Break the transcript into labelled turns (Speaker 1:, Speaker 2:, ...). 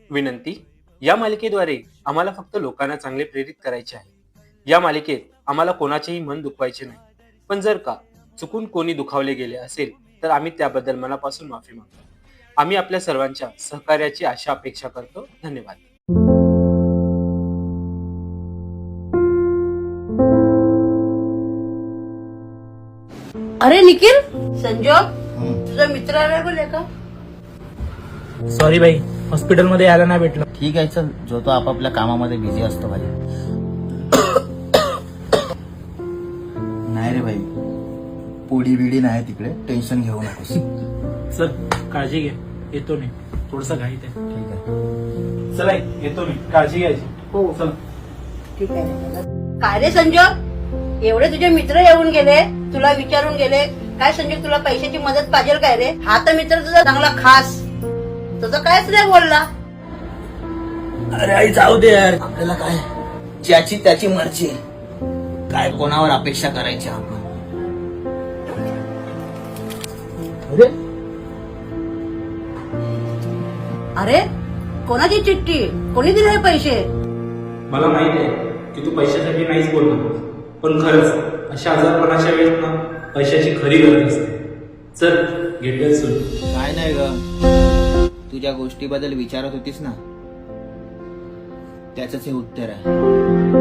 Speaker 1: विनंती. या मालिकेद्वारे आम्हाला फक्त लोकांना चांगले प्रेरित करायचे आहे. या मालिकेत आम्हाला कोणाचेही मन दुखवायचे नाही. पण जर का चुकून कोणी दुखावले गेले असेल तर आम्ही त्याबद्दल मनापासून माफी मागतो. आम्ही आपल्या सर्वांच्या सहकार्याची अपेक्षा करतो. धन्यवाद.
Speaker 2: अरे निखिल, संजोग तुझा मित्र आला बोले का?
Speaker 3: सॉरी भाई, हॉस्पिटलमध्ये यायला नाही भेटलं.
Speaker 4: ठीक आहे, चल. जो तो आपापल्या कामामध्ये बिझी असतो भाई. नाही रे भाई, पोडी बिडी नाही तिकडे, टेन्शन घेऊ नकोस.
Speaker 3: चल, काळजी घे. येतो मी, थोडस घाईत आहे.
Speaker 4: ठीक आहे.
Speaker 3: चला येतो मी, काळजी घ्यायची.
Speaker 2: हो
Speaker 3: चल.
Speaker 2: ठीक आहे. काय रे संजोग, एवढे तुझे मित्र येऊन गेले, तुला विचारून गेले. काय संजोग, तुला पैशाची मदत पाहिजे काय रे? हा तर मित्र तुझा चांगला खास, तुझं कायच नाही बोलला.
Speaker 4: अरे आई जाऊ दे यार, आपल्याला काय, ज्याची त्याची मर्जी. काय कोणावर अपेक्षा करायची आपण. अरे
Speaker 2: अरे कोणाची चिठ्ठी, कोणी दिले पैसे?
Speaker 3: मला माहित आहे की तू पैशासाठी नाहीच बोलणार, पण खरंच अशा आजारपणाच्या वेळेस ना पैशाची खरी गरज असते. चल, घेतलं सुरू.
Speaker 4: काय नाही ग, तुझ्या गोष्टीबद्दल विचारत होतीस ना, त्याच हे उत्तर आहे.